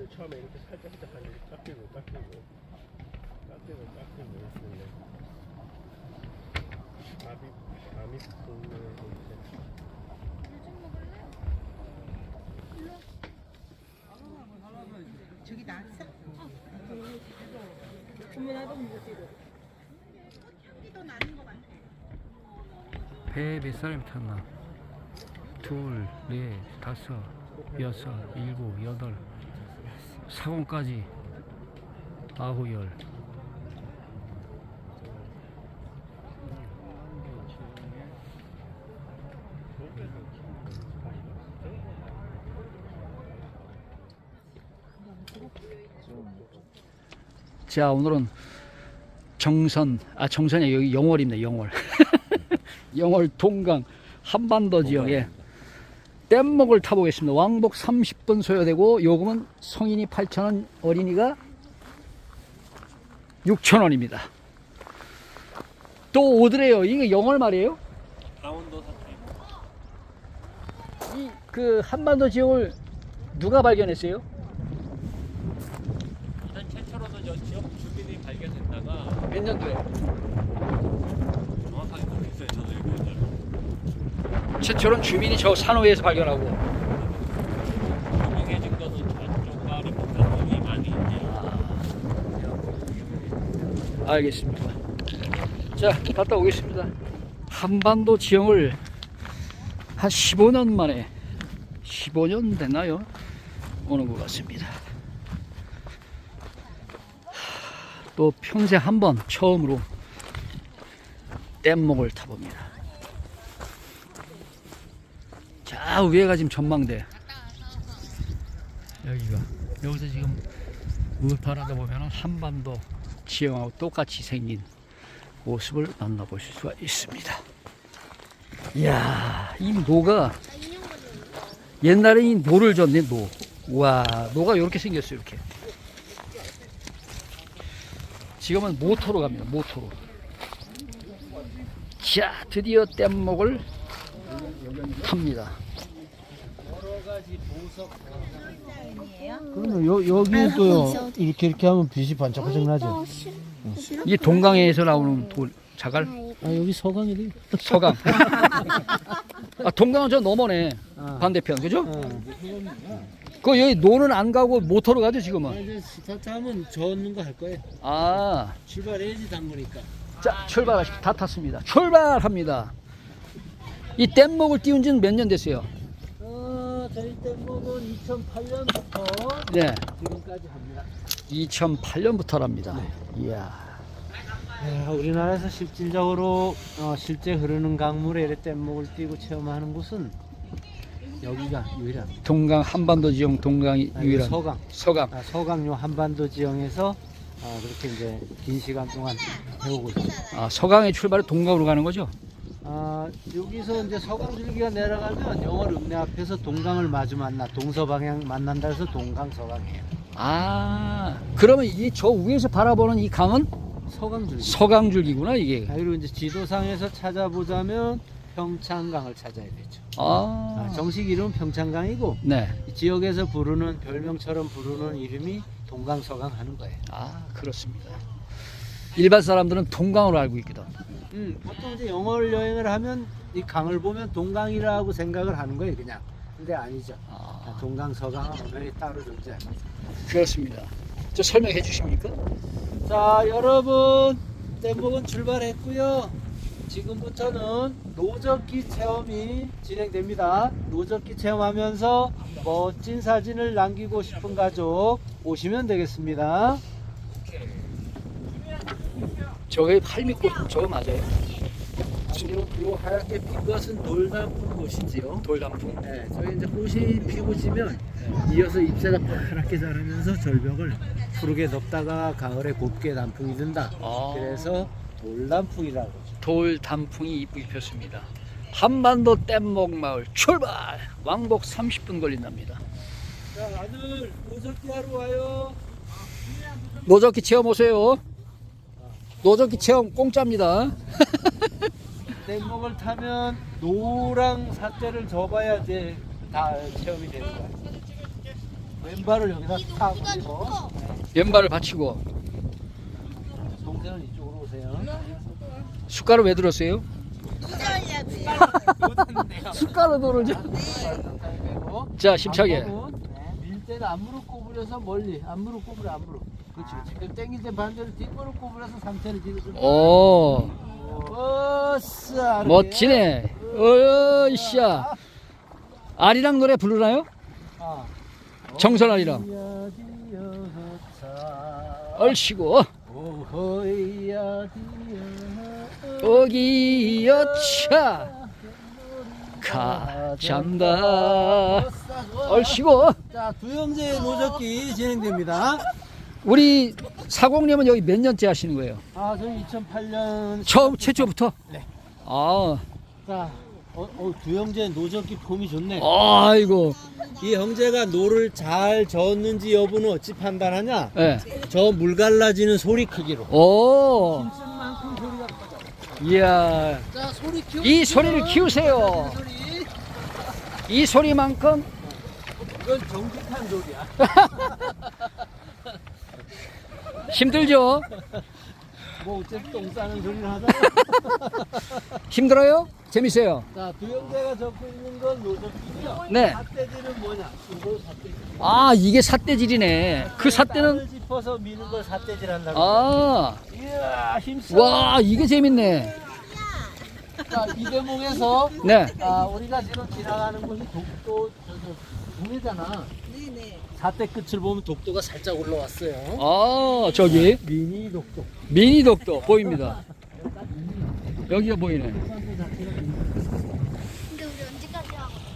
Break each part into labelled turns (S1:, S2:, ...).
S1: 처음에 이렇게 살짝 하는데 깎이고 있는데 밤이 붓는
S2: 저기 나왔어? 주문하던 무지로. 향기도 나는 거 같아.
S3: 배에 몇 사람이 탔나? 둘, 넷, 다섯, 여섯, 일곱, 여덟, 사공까지 아홉, 열. 자, 오늘은 정선이 여기 영월입니다. 영월. 영월 동강 한반도 지역에 뗏목을 타보겠습니다. 왕복 30분 소요되고 요금은 성인이 8,000원, 어린이가 6,000원입니다. 또 오더래요. 이게 영월 말이에요?
S1: 강원도 사투리.
S3: 이 그 한반도 지역을 누가 발견했어요?
S1: 일단 최초로도 저 지역 주민이 발견했다가
S3: 몇 년도에?
S1: 정확하게 모르겠어요. 저도 이거 옛날에.
S3: 최초로는 주민이 저 산호에서 발견하고.
S1: 유명해진 거는 저쪽 마을이 북한이 많이 있지.
S3: 알겠습니다. 자, 갔다 오겠습니다. 한반도 지형을 한 15년 만에 15년 됐나요? 오는 것 같습니다. 또 평생 한 번 처음으로 뗏목을 타봅니다. 자, 위에가 지금 전망대. 여기서 지금 우파라다 보면 한반도 지형하고 똑같이 생긴 모습을 만나보실 수가 있습니다. 이야, 이 노가 옛날에 이 노를 젓네. 노. 와, 노가 이렇게 생겼어요. 이렇게. 지금은 모토로 갑니다. 모토로. 자, 드디어 뗏목을 탑니다.
S4: 그러면 여기도요 이렇게 하면 빛이 반짝반짝 나죠.
S3: 이 동강에서 나오는 돌, 자갈.
S4: 아 여기 서강이래.
S3: 서강. 아, 동강은 저 넘어네. 반대편, 그죠? 그 여기 노는 안 가고 모터로 가죠 지금은.
S4: 이제 스타트하면 젓는 거 할 거예요.
S3: 아,
S4: 출발해야지 당구니까.
S3: 자, 출발하십시오. 다 탔습니다. 출발합니다. 이 뗏목을 띄운 지는 몇 년 됐어요?
S4: 저희 뗏목은 2008년부터
S3: 네,
S4: 지금까지 합니다.
S3: 2008년부터랍니다. 이야.
S4: 우리나라에서 실질적으로 실제 흐르는 강물에 이렇게 뗏목을 띄고 체험하는 곳은 여기가 유일합니다.
S3: 동강 한반도 지형 동강이 유일한
S4: 서강.
S3: 서강.
S4: 서강요 한반도 지형에서 그렇게 이제 긴 시간 동안 해오고 있습니다.
S3: 아, 서강의 출발을 동강으로 가는 거죠?
S4: 여기서 이제 서강줄기가 내려가면 영월 읍내 앞에서 동강을 마주 만나 동서방향 만난다 해서 동강 서강이에요.
S3: 아, 그러면 이 저 위에서 바라보는 이 강은
S4: 서강줄기.
S3: 서강줄기구나 이게.
S4: 그리고 이제 지도상에서 찾아보자면 평창강을 찾아야 되죠. 정식 이름은 평창강이고
S3: 네.
S4: 이 지역에서 부르는 별명처럼 부르는 이름이 동강서강 하는 거예요.
S3: 아, 그렇습니다. 일반 사람들은 동강으로 알고 있거든.
S4: 보통 이제 영월 여행을 하면 이 강을 보면 동강이라고 생각을 하는 거예요, 그냥. 근데 아니죠. 동강, 서강은 분명히 따로 존재합니다.
S3: 그렇습니다. 저 설명해 주십니까?
S4: 자, 여러분, 뗏목은 출발했고요. 지금부터는 노젓기 체험이 진행됩니다. 노젓기 체험하면서 멋진 사진을 남기고 싶은 가족 오시면 되겠습니다.
S3: 저게 팔미꽃 저거 맞아요?
S4: 요 하얗게 핀 것은 돌단풍 꽃이지요.
S3: 돌단풍.
S4: 네, 저희 이제 꽃이 피고 지면 이어서 잎새가 파랗게 자라면서 절벽을 푸르게 덮다가 가을에 곱게 단풍이 든다. 그래서 돌단풍이라고 하죠.
S3: 돌단풍이 이쁘게 폈습니다. 한반도 뗏목 마을 출발! 왕복 30분 걸린답니다.
S4: 자, 다들 노젓기 하러 와요.
S3: 노젓기 체험 오세요. 노젓기 체험 공짜입니다.
S4: 뗏목을 타면 노랑 사태를 접어야 이제 다 체험이 되는 거야. 왼발을 여기다 탁 올리고
S3: 왼발을 받치고.
S4: 동생은 이쪽으로 오세요.
S3: 숟가락 왜 들었어요? 숟가락 들어오죠. 자, 힘차게.
S4: 밀 때는 앞무릎 꼬부려서 멀리. 앞무릎 꼬부려, 앞무릎. 그렇지, 그렇지. 그럼 땡길 때 반대로 뒷무릎 꼬부려서 상체를 뒤로 좀.
S3: 오,
S4: 어싸.
S3: 멋지네. 어이씨야. 아리랑 노래 부르나요?
S4: 아.
S3: 정선 아리랑. 얼씨구.
S4: 오호이야
S3: 어기여차 가잔다. 얼씨구.
S4: 자, 두 형제의 노젓기 진행됩니다.
S3: 우리 사공님은 여기 몇 년째 하시는 거예요?
S4: 아, 저희 2008년
S3: 처음 최초부터?
S4: 네.
S3: 아,
S4: 자, 두 형제 노젓기 폼이 좋네.
S3: 아이고.
S4: 이 형제가 노를 잘 저었는지 여부는 어찌 판단하냐?
S3: 예.
S4: 저 물 갈라지는 소리 크기로.
S3: 오.
S4: 힘쓴만큼 소리가 커져.
S3: 이야.
S4: 자, 소리 키우.
S3: 이 소리를 키우세요.
S4: 소리.
S3: 이 소리만큼
S4: 이건 정직한 소리야.
S3: 힘들죠?
S4: 뭐 어쨌든 똥 싸는 소리를 하잖아.
S3: 힘들어요? 재밌어요?
S4: 자, 두 형제가 적고 있는 건 노젓기고요.
S3: 네.
S4: 삿대질은 뭐냐? 이거 삿대질.
S3: 아, 이게 삿대질이네. 그 삿대는,
S4: 땅을 짚어서 미는 걸 삿대질 한다고.
S3: 아,
S4: 이야, 힘써.
S3: 와, 이게 재밌네.
S4: 자, 이 대목에서
S3: 네.
S4: 우리가 지금 지나가는 곳이 독도 동해잖아.
S2: 네네.
S4: 사대 끝을 보면 독도가 살짝 올라왔어요.
S3: 아, 저기
S4: 미니 독도.
S3: 미니 독도 보입니다. 여기가 보이네.
S2: 근데 우리 언제까지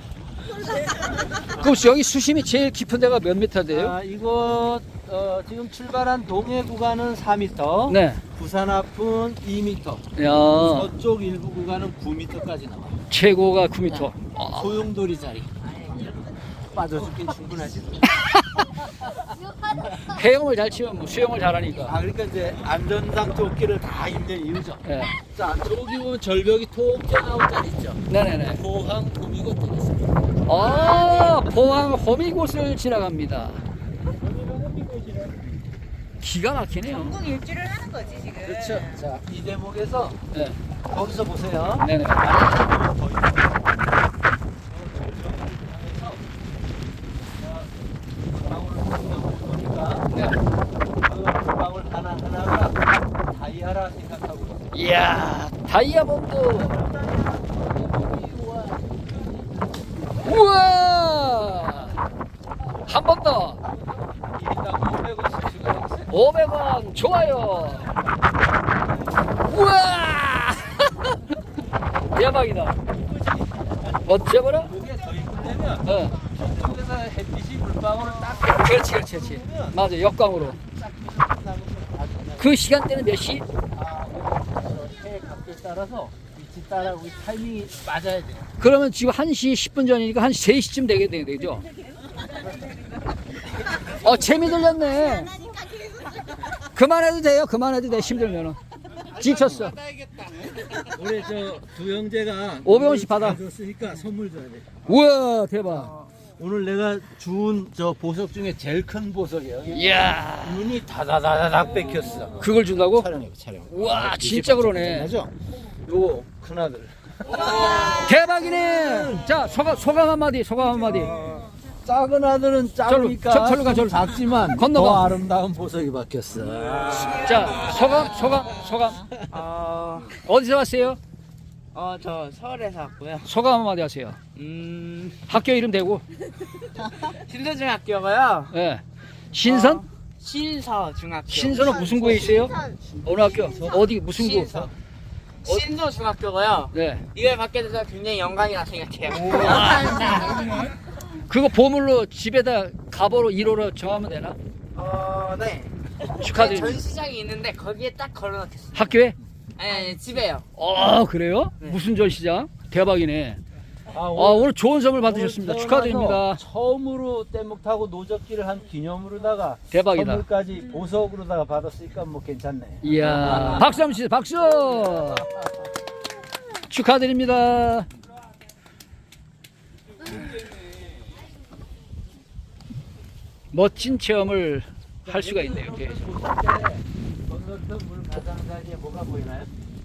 S2: 하고?
S3: 그럼 여기 수심이 제일 깊은 데가 몇 미터 돼요?
S4: 아, 이거 지금 출발한 동해 구간은 4m,
S3: 네.
S4: 부산 앞은 2m,
S3: 야,
S4: 저쪽 일부 구간은 9m까지 나와.
S3: 최고가 9미터. 아,
S4: 소용돌이 자리. 빠져 죽긴 충분하지.
S3: 해영을 잘 치면 뭐 수영을 잘하니까.
S4: 아, 그러니까 이제 안전상 조끼를 다 입는 이유죠.
S3: 네.
S4: 자, 저기 보면 절벽이 톡 튀어나온 자리 있죠.
S3: 네네네.
S4: 포항 구미곶 되겠습니다.
S3: 아, 포항 호미곶을 지나갑니다. 기가 막히네요.
S2: 전국 일주를 하는 거지 지금.
S4: 그렇죠. 자, 이 대목에서
S3: 네.
S4: 거기서 보세요.
S3: 네네. 네.
S4: 그 방울 하나하나가 다이아라 생각하고 있어요.
S3: 이야, 다이아몬드. 우와! 한 번 더.
S4: 1인당 500원씩 주고
S3: 500원 좋아요. 우와! 대박이다. 멋져버려?
S4: 이게 더 이쁘려면
S3: 어.
S4: 저쪽에서 햇빛이 물방울을 딱
S3: 그렇지, 그렇지, 그렇지. 맞아, 역광으로. 그 시간대는 몇 시?
S4: 해 각도에 따라서 위치 따라 우리 타이밍이 맞아야 돼요.
S3: 그러면 지금 1시 10분 전이니까 한 3시쯤 되죠? 재미 들렸네. 그만해도 돼요, 그만해도 돼, 힘들면은. 지쳤어.
S4: 올해 저 두 형제가
S3: 500원씩 받아.
S4: 줬으니까 선물 줘야 돼.
S3: 우와, 대박.
S4: 오늘 내가 준 저 보석 중에 제일 큰 보석이에요.
S3: 이야,
S4: 눈이 다다다닥 뺏겼어.
S3: 그걸 준다고?
S4: 촬영해, 촬영.
S3: 우와, 진짜 그러네.
S4: 맞죠? 요거 큰 아들.
S3: 대박이네. 자, 소감 한마디, 소감 한마디.
S4: 작은 아들은 작으니까
S3: 절로 가, 절로.
S4: 작지만
S3: 건너가.
S4: 더 아름다운 보석이 박혔어.
S3: 자, 소감. 어디서 왔어요?
S5: 저 서울에서 왔고요.
S3: 소감 한마디 하세요. 학교 이름 대고.
S5: 신서중학교고요.
S3: 예. 신선?
S5: 신서중학교.
S3: 신선은 무슨 구에 있어요? 어느 학교? 어디, 무슨 구?
S5: 신서. 신서중학교고요.
S3: 네.
S5: 이걸 받게 돼서 굉장히 영광이라 생각해요.
S3: 그거 보물로 집에다 가보로 1호로 정하면 되나?
S5: 네.
S3: 축하드립니다.
S5: 전시장이 있는데 거기에 딱 걸어놓겠습니다.
S3: 학교에?
S5: 아니, 집에요.
S3: 그래요?
S5: 네.
S3: 무슨 전시장? 대박이네.
S4: 오늘
S3: 오늘 좋은 선물 받으셨습니다.
S4: 오늘
S3: 축하드립니다.
S4: 태어나서 처음으로 뗏목 타고 노젓기를 한 기념으로다가
S3: 대박이다.
S4: 선물까지 보석으로다가 받았으니까 뭐 괜찮네.
S3: 이야, 박수 한번 주세요. 박수! 축하드립니다. 멋진 체험을 할 수가 있네요. 예.
S4: 건너편 물 가장자리에 뭐가 보이나요?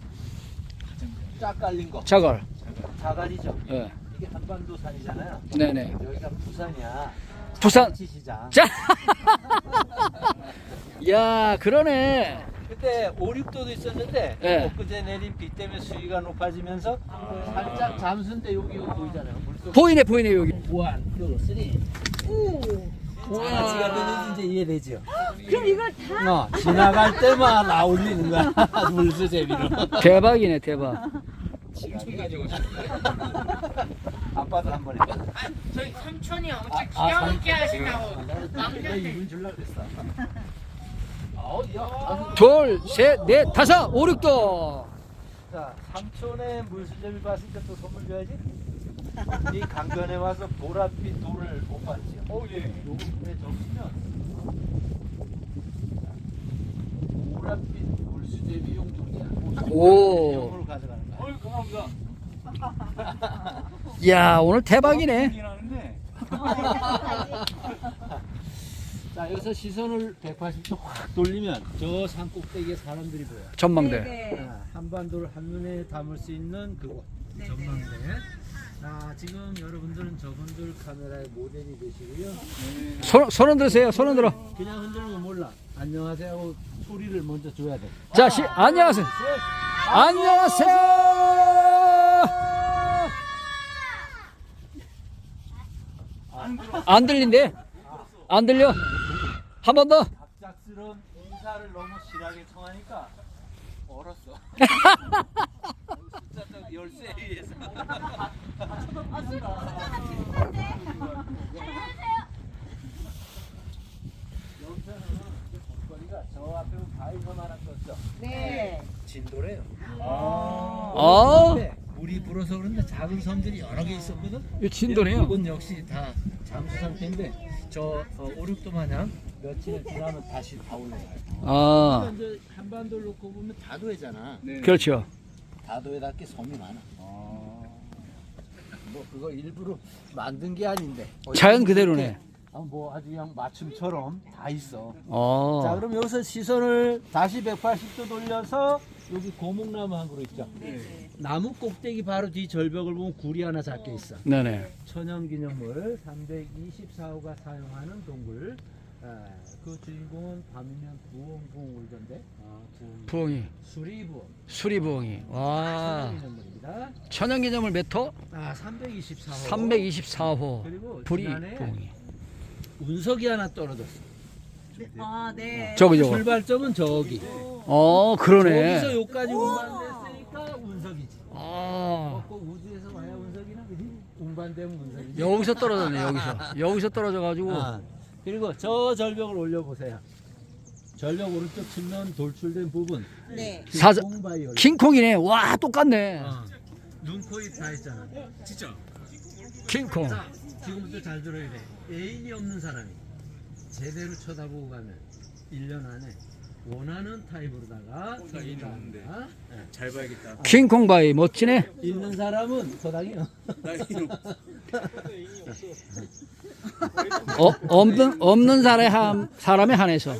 S4: 쫙 깔린 거.
S3: 자갈.
S4: 자갈이죠.
S3: 예.
S4: 이게 한반도 산이잖아요.
S3: 네네.
S4: 여기가 부산이야.
S3: 부산.
S4: 시장.
S3: 자. 야, 그러네.
S4: 그때 5, 6도도 있었는데
S3: 예.
S4: 엊그제 내린 비 때문에 수위가 높아지면서 살짝 잠수인데 여기 보이잖아요. 물속.
S3: 보이네 여기.
S4: 1, 2, 3. 지가 되는지 이제 이해되죠?
S2: 그럼 이걸 다
S4: 지나갈 때만 나올리는 거야. 물수 재미로.
S3: 대박이네, 대박.
S4: 아빠도 한번 해봐.
S5: 저희 삼촌이 엄청 기가 막히게 하신다고.
S4: 내가 이분 줄라 그랬어.
S3: 둘, 셋, 넷, 다섯, 5, 6도.
S4: 자, 삼촌의 물수제비 봤을 때 또 선물 줘야지. 이 강변에 와서 보랏빛 돌을 못 봤지. 예. 요금에 적시면 보랏빛 물수제비용 돌이야.
S3: 오.
S4: 용으로 가져가는 거야.
S1: 감사합니다.
S3: 야, 오늘 대박이네.
S1: 하는데
S4: 자, 여기서 시선을 180도 확 돌리면 저 산 꼭대기에 사람들이 보여.
S3: 전망대.
S2: 네.
S4: 한반도를 한눈에 담을 수 있는 그곳.
S2: 네.
S4: 전망대. 자, 지금 여러분들은 저분들 카메라의 모델이 되시고요.
S3: 손 들으세요. 손 들어.
S4: 그냥 흔들면 몰라. 안녕하세요 하고 소리를 먼저 줘야 돼.
S3: 자, 안녕하세요. 안녕하세요. 안 들린대. 안 들려. 한 번 더.
S4: 갑작스러운 인사를 너무 실하게 청하니까 얼었어. 숫자 딱 열쇠에 의해서. 여기서는 거리가 저 앞에 바위섬 하나 떴죠.
S2: 네.
S4: 진도래요.
S3: 아,
S4: 물이 불어서 그런데 작은 섬들이 여러 개 있었거든.
S3: 이 진도네요.
S4: 이건 역시 다 잠수 상태인데 저 5, 6도 마냥 며칠 지나면 다시 다 올라가요.
S3: 아,
S4: 이제 한반도를 놓고 보면 다도해잖아.
S3: 그렇죠.
S4: 다도에답게 섬이 많아. 뭐 그거 일부러 만든 게 아닌데.
S3: 자연 그대로네.
S4: 뭐 아주 그냥 맞춤처럼 다 있어. 자,
S3: 어,
S4: 그럼 여기서 시선을 다시 180도 돌려서 여기 고목나무 한 그루 있죠. 나무 꼭대기 바로 뒤 절벽을 보면 굴이 하나 작게 있어.
S3: 네네.
S4: 천연기념물 324호가 사용하는 동굴. 그 주인공은 밤이면 부엉부엉 울던데.
S3: 부엉이,
S4: 수리부엉.
S3: 수리부엉이. 와,
S4: 천연기념물입니다.
S3: 천연기념물 몇 호?
S4: 324호.
S3: 324호.
S4: 그리고
S3: 불이
S4: 지난해
S3: 부엉이.
S4: 운석이 하나 떨어졌어.
S2: 아, 네.
S3: 저거.
S4: 출발점은 저기.
S3: 그러네.
S4: 저기서 여기까지 운반됐으니까 운석이지.
S3: 아,
S4: 꼭 우주에서 와야 운석이나 그지? 운반되면 운석이지.
S3: 여기서 떨어졌네. 여기서 떨어져가지고.
S4: 그리고 저 절벽을 올려보세요. 절벽 오른쪽 측면 돌출된 부분.
S2: 네.
S3: 사자-
S4: 킹콩바이올.
S3: 킹콩이네. 와, 똑같네.
S4: 눈, 코, 입 다 있잖아.
S1: 진짜
S3: 킹콩.
S4: 자, 지금부터 잘 들어야 돼. 애인이 없는 사람이 제대로 쳐다보고 가면 1년 안에 원하는 타입으로다가
S1: 애인이 없는데. 잘 봐야겠다.
S3: 킹콩바이 멋지네.
S4: 있는 사람은 소당이요.
S3: 없는 사람에 한해서.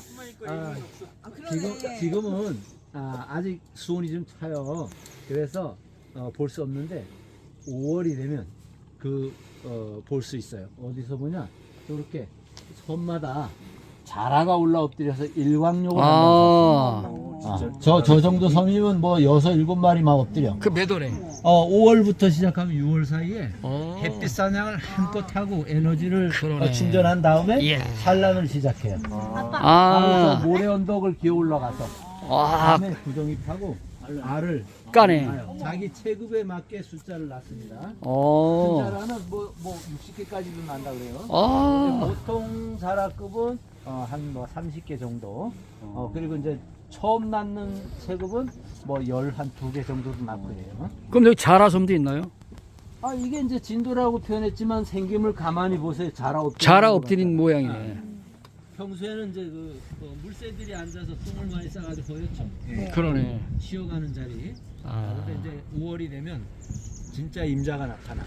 S4: 지금은 아직 수온이 좀 차요. 그래서 볼 수 없는데 5월이 되면 볼 수 있어요. 어디서 보냐? 이렇게 섬마다 자라가 올라 엎드려서 일광욕을 한다고. 저 정도 섬이면 뭐 6, 7마리만 엎드려.
S3: 그 매도네.
S4: 5월부터 시작하면 6월 사이에
S3: 어.
S4: 햇빛 사냥을 한껏 하고 에너지를
S3: 그러네.
S4: 충전한 다음에
S3: 예.
S4: 산란을 시작해요.
S3: 아,
S4: 그래서 모래 언덕을 기어 올라가서
S3: 와,
S4: 밤에 구덩이파고 알을
S3: 까네.
S4: 낳아요. 자기 체급에 맞게 숫자를 낳습니다.
S3: 어.
S4: 숫자라는 뭐 60개까지도 난다 그래요.
S3: 아,
S4: 근데 보통 자라급은 한 뭐 30개 정도. 그리고 이제 처음 낳는 체급은 뭐 12개 정도도 낳고 그래요.
S3: 그럼 여기 자라섬도 있나요?
S4: 이게 이제 진도라고 표현했지만 생김을 가만히 보세요.
S3: 자라 엎드린 모양이네.
S4: 평소에는 이제 물새들이 앉아서 똥을 많이 싸가지고 보였죠.
S3: 그러네.
S4: 쉬어가는 자리.
S3: 아.
S4: 근데 이제 5월이 되면 진짜 임자가 나타나.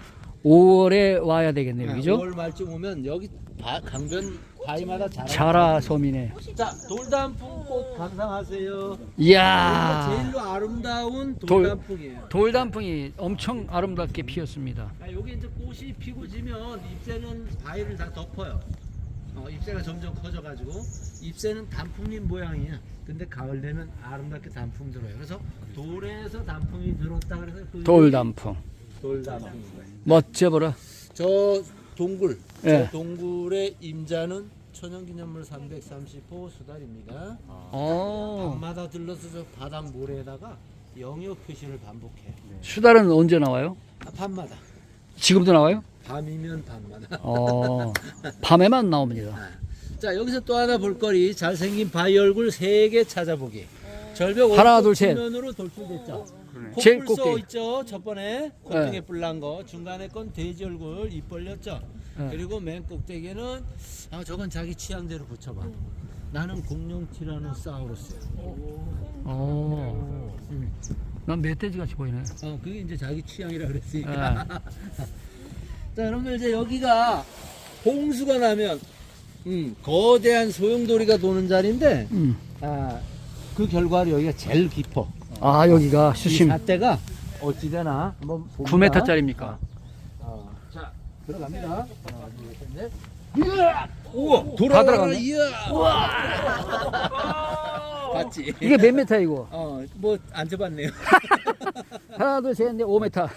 S3: 5월에 와야 되겠네요. 그죠?
S4: 5월 말쯤 오면 여기 강변 바위마다
S3: 자라 섬이네.
S4: 자, 돌단풍꽃 감상하세요.
S3: 이야.
S4: 여기가 제일로 아름다운 돌단풍이에요.
S3: 돌단풍이 엄청 아름답게 피었습니다.
S4: 여기 이제 꽃이 피고 지면 잎새는 바위를 다 덮어요. 잎새가 점점 커져가지고 잎새는 단풍잎 모양이야. 근데 가을 되면 아름답게 단풍 들어요. 그래서 돌에서 단풍이 들었다 그래서 그
S3: 돌단풍.
S4: 돌단풍.
S3: 멋져보라.
S4: 저 동굴,
S3: 예.
S4: 저 동굴의 임자는 천연기념물 330호 수달입니다. 밤마다 들러서 저 바닥 모래에다가 영역 표시를 반복해요.
S3: 수달은 언제 나와요?
S4: 밤마다.
S3: 지금도 나와요?
S4: 밤이면 밤마다.
S3: 밤에만 나옵니다.
S4: 자, 여기서 또 하나 볼거리. 잘생긴 바위 얼굴 3개 찾아보기. 절벽
S3: 하나, 둘, 셋.
S4: 면으로 돌출됐죠.
S3: 제일
S4: 콧불소
S3: 꼭대기.
S4: 있죠. 첫 번에 콧등에 뿔난 거. 중간에 건 돼지 얼굴 입 벌렸죠.
S3: 네.
S4: 그리고 맨 꼭대기는 저건 자기 취향대로 붙여봐. 나는 공룡 티라노사우루스야.
S3: 난 멧돼지 같이 보이네.
S4: 그게 이제 자기 취향이라 그랬으니까. 자, 여러분들 이제 여기가 홍수가 나면 거대한 소용돌이가 도는 자리인데 그 결과로 여기가 제일 깊어.
S3: 여기가 수심
S4: 이 잣대가 어찌되나 한번 봅니다.
S3: 9m짜리입니까?
S4: 자, 들어갑니다. 하나, 둘, 셋, 넷. 우와,
S3: 다
S4: 돌아가라.
S3: 들어갔네.
S4: 이야. 봤지?
S3: 이게 몇 메타 이거?
S4: 뭐 안 쳐봤네요.
S3: 하나, 둘, 셋, 넷, 5m.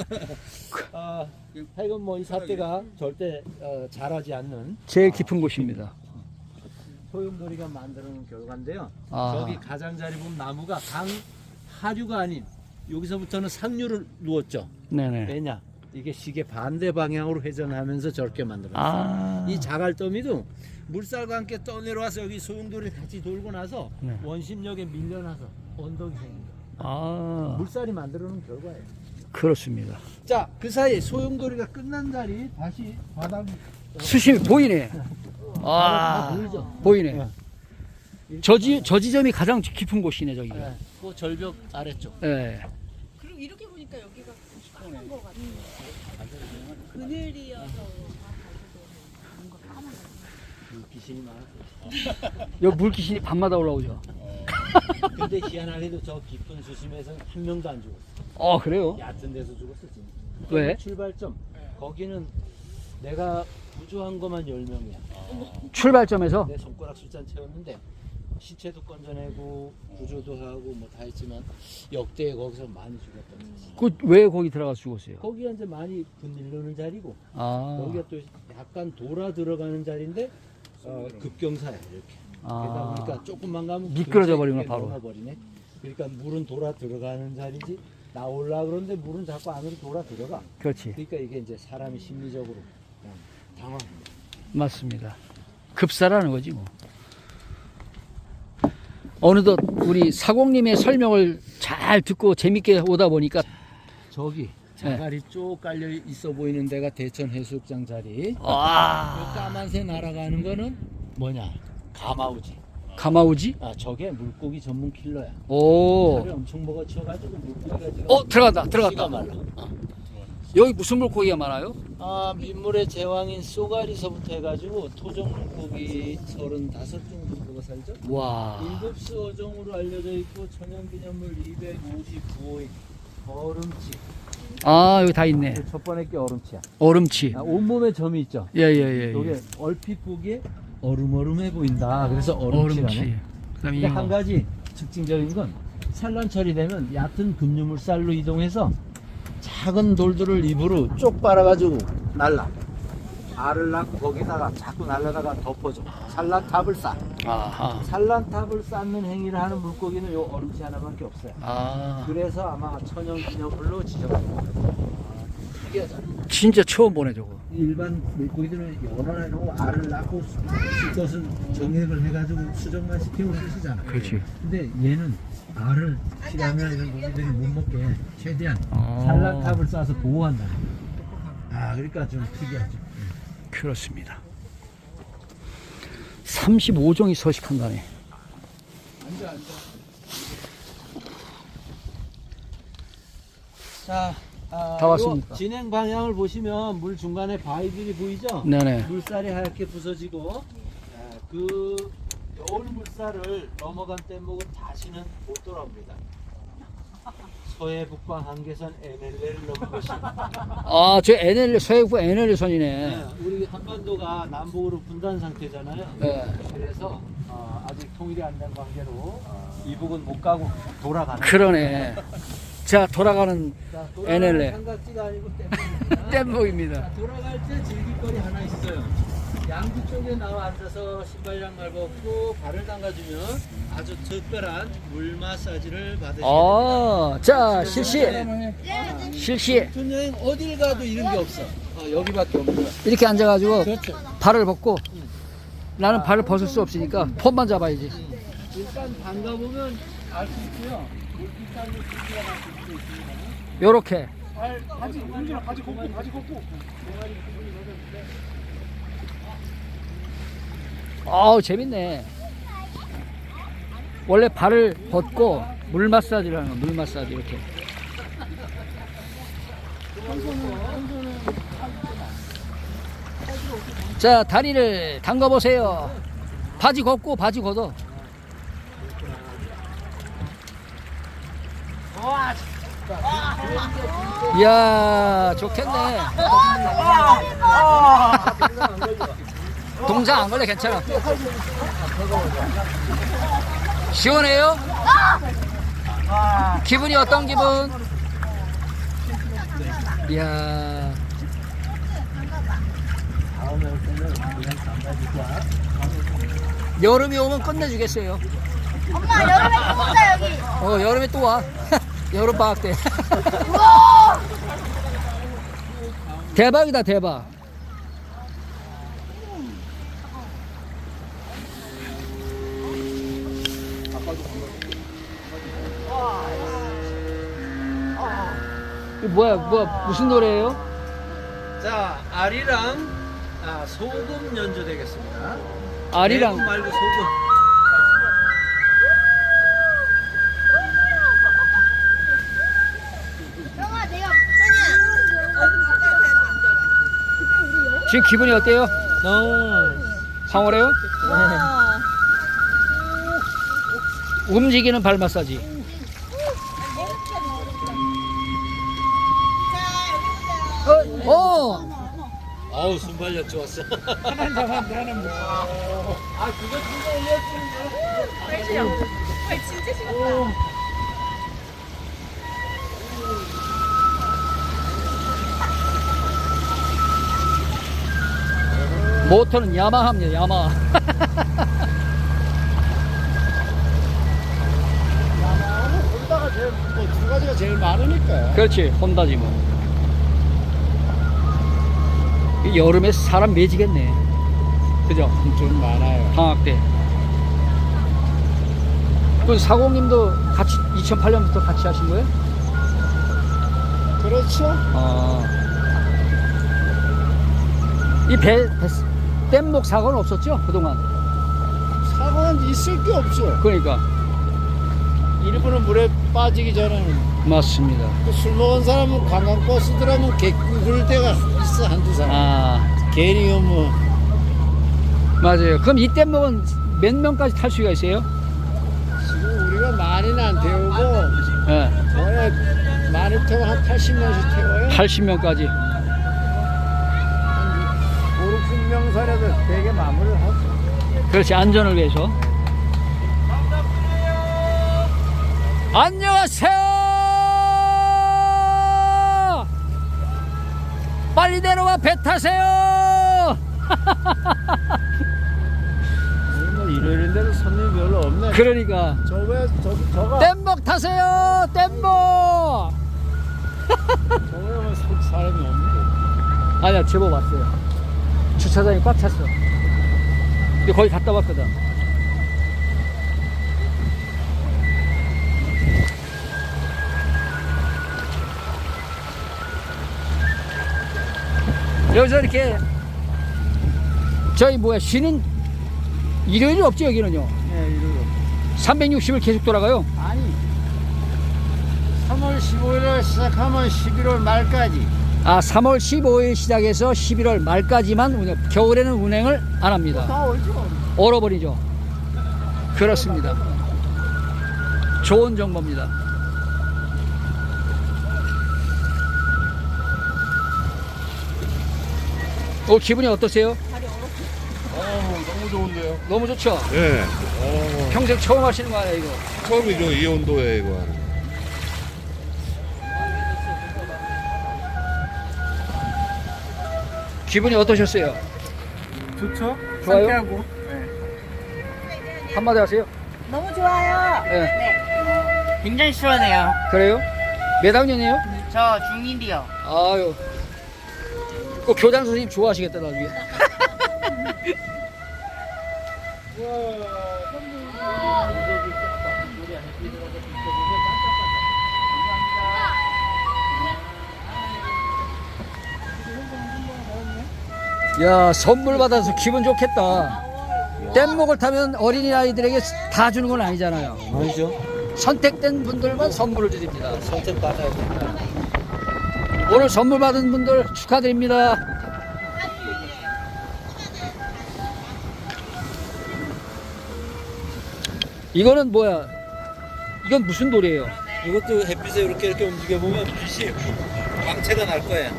S4: 하여간 뭐 이 삿대가 절대 자라지 않는
S3: 제일 깊은 곳입니다.
S4: 소용돌이가 만드는 결과인데요.
S3: 아.
S4: 저기 가장자리 보면 나무가 강 하류가 아닌 여기서부터는 상류를 누웠죠.
S3: 네네.
S4: 왜냐? 이게 시계 반대 방향으로 회전하면서 저렇게 만들었어요. 이 자갈더미도 물살과 함께 떠내려와서 여기 소용돌이 같이 돌고 나서
S3: 네.
S4: 원심력에 밀려나서 언덕이 생깁니다. 물살이 만들어놓은 결과예요.
S3: 그렇습니다.
S4: 자, 그 사이 소용돌이가 끝난 자리 다시 바닥
S3: 수심이 보이네.
S4: 다 보이죠?
S3: 보이네. 저 지점이 가장 깊은 곳이네, 저기가.
S4: 그 절벽 아래쪽.
S3: 네.
S2: 그리고 이렇게 보니까 여기가 까만 거 같아요. 그늘이어서 뭔가 까만 거.
S4: 귀신이 많았어요.
S3: 여기 물귀신이 밤마다 올라오죠.
S4: 근데 희한하게도 저 깊은 수심에서는 한 명도 안 죽었어.
S3: 그래요?
S4: 얕은 데서 죽었어 지금.
S3: 왜?
S4: 출발점 거기는 내가 구조한 것만 10명이야.
S3: 출발점에서?
S4: 내 손가락 숫자 채웠는데 시체도 건져내고 구조도 하고 뭐 다 했지만 역대 거기서 많이 죽었던 거지.
S3: 왜 거기 들어가서 죽었어요?
S4: 거기가 이제 많이 분일르는 자리고
S3: 아.
S4: 여기가 또 약간 돌아 들어가는 자리인데 급경사야 이렇게. 그러다 보니까 조금만 가면
S3: 미끄러져 버리구나, 바로.
S4: 넘어버리네. 그러니까 물은 돌아 들어가는 자리지 나올라 그러는데 물은 자꾸 안으로 돌아 들어가.
S3: 그렇지.
S4: 그러니까 이게 이제 사람이 심리적으로 당황합니다.
S3: 맞습니다. 급사라는 거지 뭐. 어느덧 우리 사공님의 설명을 잘 듣고 재밌게 오다 보니까
S4: 저기 자갈이 쭉 깔려 있어 보이는 데가 대천 해수욕장 자리.
S3: 와.
S4: 그 까만새 날아가는 거는 뭐냐? 가마우지.
S3: 가마우지?
S4: 저게 물고기 전문 킬러야.
S3: 오.
S4: 살을 엄청 먹어치워가지고 물고기가 지금
S3: 들어갔다.
S4: 씨가 말라.
S3: 여기 무슨 물고기가 많아요?
S4: 민물의 제왕인 쏘가리서부터 해가지고 토종 물고기 35종 정도가 살죠.
S3: 와.
S4: 7수 어종으로 알려져 있고 천연기념물 259호의 얼음치.
S3: 여기 다 있네.
S4: 첫 번째 게 얼음치야.
S3: 얼음치.
S4: 온몸에 점이 있죠.
S3: 예.
S4: 이게 얼핏 보기에 얼음해 보인다. 그래서 얼음치라네.
S3: 그다음에
S4: 근데 한 가지 특징적인 건 산란철이 되면 얕은 급류물살로 이동해서 작은 돌들을 입으로 쪽 빨아가지고 날라. 알을 낳고 거기다가 자꾸 날라다가 덮어줘. 산란탑을 쌓아.
S3: 아하.
S4: 산란탑을 쌓는 행위를 하는 물고기는 요 얼음치 하나밖에 없어요. 그래서 아마 천연기념물로 지정한 거예요. 특이하잖아.
S3: 진짜 처음 보네 저거.
S4: 일반 물고기들은 연어나 알을 낳고 수컷은 정액을 해가지고 수정만 시키고 쓰시잖아.
S3: 그렇지.
S4: 근데 얘는 알을 시라나 이런 고기들이 못 먹게 최대한 산란탑을 쌓아서 보호한다. 그러니까 좀 특이하죠.
S3: 그렇습니다. 35종이 서식한다네.
S4: 자,
S3: 다 왔습니까?
S4: 진행 방향을 보시면 물 중간에 바위들이 보이죠?
S3: 네네.
S4: 물살이 하얗게 부서지고 그 겨울 물살을 넘어간 뗏목은 다시는 못 돌아옵니다. 서해 북방 한계선 NLL을 넘은 것입니다.
S3: 아, 저 NL, 서해부 NL 선이네.
S4: 네, 우리 한반도가 남북으로 분단 상태잖아요.
S3: 네.
S4: 그래서 아직 통일이 안 된 관계로 이북은 못 가고 돌아가는.
S3: 그러네. 자, 돌아가는
S4: 자,
S3: NLL.
S4: 삼각지가 아니고 뗏목입니다.
S3: 뗏목입니다.
S4: 자, 돌아갈 때 즐길 거리 하나 있어요. 양주 쪽에 나와 앉아서 신발 양말 벗고 발을 담가주면 아주 특별한 물 마사지를 받으시게 됩니다.
S3: 자, 실시. 실시.
S4: 전 여행 어딜 가도 이런 게 없어. 여기밖에 없는 거야.
S3: 이렇게 앉아가지고
S4: 그렇죠.
S3: 발을 벗고 나는 발을 벗을 수 없으니까 폰만 잡아야지.
S4: 일단 담가보면 알 수 있고요. 물빛깔로 크기가 날 수도 있습니다.
S3: 요렇게.
S2: 바지 공주랑 바지 걷고
S3: 아우, 재밌네. 원래 발을 벗고 물 마사지를 하는 거, 물 마사지 이렇게. 자, 다리를 담가 보세요. 바지 걷고 바지 걷어. 이야, 좋겠네. 동상 안 걸려, 괜찮아. 시원해요? 기분이 어떤 기분? 이야. 여름이 오면 끝내주겠어요.
S2: 엄마 여름에 또 오자 여기.
S3: 여름에 또 와. 여름 방학 때.
S2: 우와.
S3: 대박이다, 대박. 이거 뭐야, 무슨 노래예요?
S4: 자, 알이랑 소금 연주되겠습니다.
S3: 아리랑.
S4: 대구 말고 소금.
S2: 형아 내가
S3: 지금 기분이 어때요? 황홀해요? 움직이는 발 마사지.
S4: 어우, 순발력 좋았어.
S3: 모터는 야마하입니다, 야마하.
S6: 혼다가 제일 두 가지가 제일 많으니까.
S3: 그렇지, 혼다지 뭐. 이 여름에 사람 매지겠네. 그죠?
S6: 좀 많아요.
S3: 방학 때. 그 사공님도 같이 2008년부터 같이 하신 거예요?
S6: 그렇죠.
S3: 이 뗏목 사고는 없었죠? 그동안.
S6: 사고는 있을 게 없죠.
S3: 그러니까.
S6: 일부러 물에 빠지기 전에는
S3: 맞습니다.
S6: 그 술 먹은 사람은 관광버스 들어가면 개꿀 때가 있어, 한두 사람. 괜히 뭐
S3: 맞아요. 그럼 이 뗏목은 몇 명까지 탈 수가 있어요?
S6: 지금 우리가 많이는 안 태우고
S3: 예.
S6: 원래 많이 태워 한 80명씩 태워요.
S3: 80명까지.
S6: 한 5, 60명 선에도 되게 마무리를 하고.
S3: 그렇지, 안전을 위해서. 안녕하세요. 빨리 내려와 배 타세요.
S6: 뭐 일요일인데도 손님이 별로 없네.
S3: 그러니까
S6: 저가
S3: 뗏목 타세요. 뗏목.
S6: 저거에 사람이 없는데.
S3: 아니야, 제법 왔어요. 주차장이 꽉 찼어. 근데 거의 갔다 왔거든. 여기서 이렇게 저희 쉬는 일요일이 없지, 여기는요.
S6: 네, 이러고.
S3: 360을 계속 돌아가요.
S6: 아니 3, 3월 15일에 시작하면 11월 말까지.
S3: 아, 3월 15일 시작해서 11월 말까지만 운행, 겨울에는 운행을 안 합니다. 얼어버리죠. 그렇습니다. 좋은 정보입니다. 기분이 어떠세요?
S7: 너무 좋은데요?
S3: 너무 좋죠?
S7: 예.
S3: 평생 처음 하시는 거 아니에요, 이거?
S7: 처음이죠, 이 온도에 이거 하는.
S3: 기분이 어떠셨어요?
S2: 좋죠?
S3: 좋아요?
S2: 상쾌하고.
S3: 한마디 하세요.
S2: 너무 좋아요.
S3: 네.
S5: 굉장히 시원해요.
S3: 그래요? 몇 학년이에요?
S5: 저 중1이요.
S3: 아유. 그 교장 선생님 좋아하시겠다, 나중에. 야, 선물 받아서 기분 좋겠다. 뗏목을 타면 어린이아이들에게 다 주는 건 아니잖아요.
S4: 아니죠?
S3: 선택된 분들만 선물을 드립니다.
S4: 선택받아야 된다.
S3: 오늘 선물 받은 분들 축하드립니다. 이거는 뭐야? 이건 무슨 돌이에요?
S4: 이것도 햇빛에 이렇게 움직여 보면 빛이 광채가 날 거예요.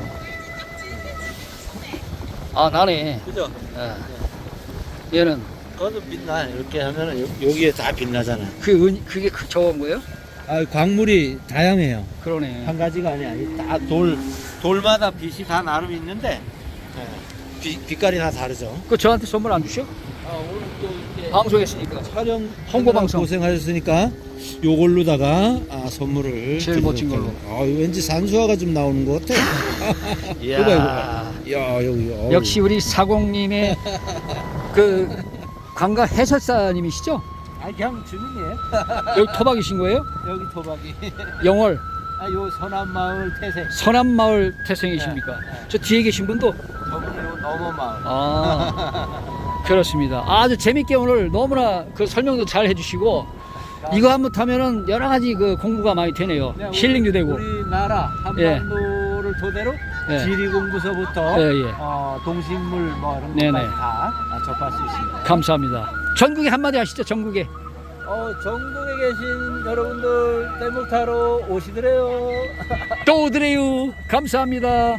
S3: 아, 나네.
S4: 그죠?
S3: 얘는
S4: 그것도 빛나. 이렇게 하면은 여기에 다 빛나잖아요.
S3: 그게 저건 거예요?
S4: 아, 광물이 다양해요.
S3: 그러네.
S4: 한 가지가 아니야. 다 돌마다 빛이 다 나름 있는데 빛깔이 다 다르죠.
S3: 그 저한테 선물 안 주셔?
S4: 오늘 또 이렇게
S3: 방송했으니까.
S4: 촬영
S3: 홍보 방송.
S4: 고생하셨으니까 요걸로다가 선물을
S3: 제일 멋진 걸로.
S4: 왠지 산수화가 좀 나오는 것 같아.
S3: 이야.
S4: 야, 여기
S3: 역시 우리 사공님의 그 관광 해설사님이시죠?
S4: 그냥 주민이에요.
S3: 여기 토박이신 거예요?
S4: 여기 토박이.
S3: 영월
S4: 요 서남마을 태생.
S3: 서남마을 태생이십니까? 저 뒤에 계신 분도
S4: 저분이 요 넘어마을.
S3: 그렇습니다. 아주 재밌게 오늘 너무나 그 설명도 잘 해주시고 이거 한번 타면은 여러 가지 그 공부가 많이 되네요. 힐링도 되고.
S4: 우리나라 한반도를 토대로
S3: 예.
S4: 지리공부서부터
S3: 예, 예.
S4: 동식물 뭐 이런
S3: 네네.
S4: 것까지 다 접할 수 있습니다.
S3: 감사합니다. 전국에 한마디 하시죠. 전국에.
S4: 전국에 계신 여러분들 뗏목 타러 오시더래요.
S3: 또 오드래요. 감사합니다.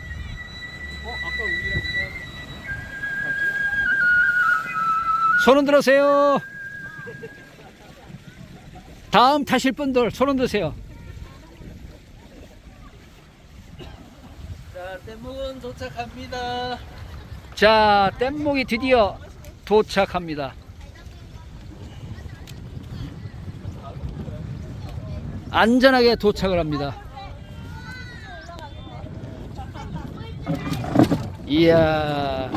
S3: 손 흔들으세요. 다음 타실 분들 손 흔드세요.
S4: 자, 뗏목은 도착합니다.
S3: 자, 뗏목이 드디어 도착합니다. 안전하게 도착을 합니다. 이야,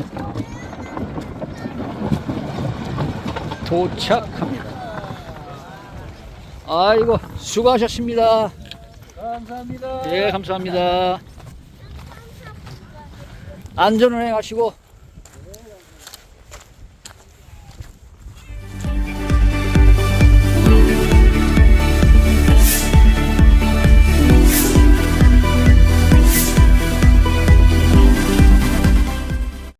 S3: 도착합니다. 아이고, 수고하셨습니다.
S4: 감사합니다.
S3: 예, 감사합니다. 안전운행 하시고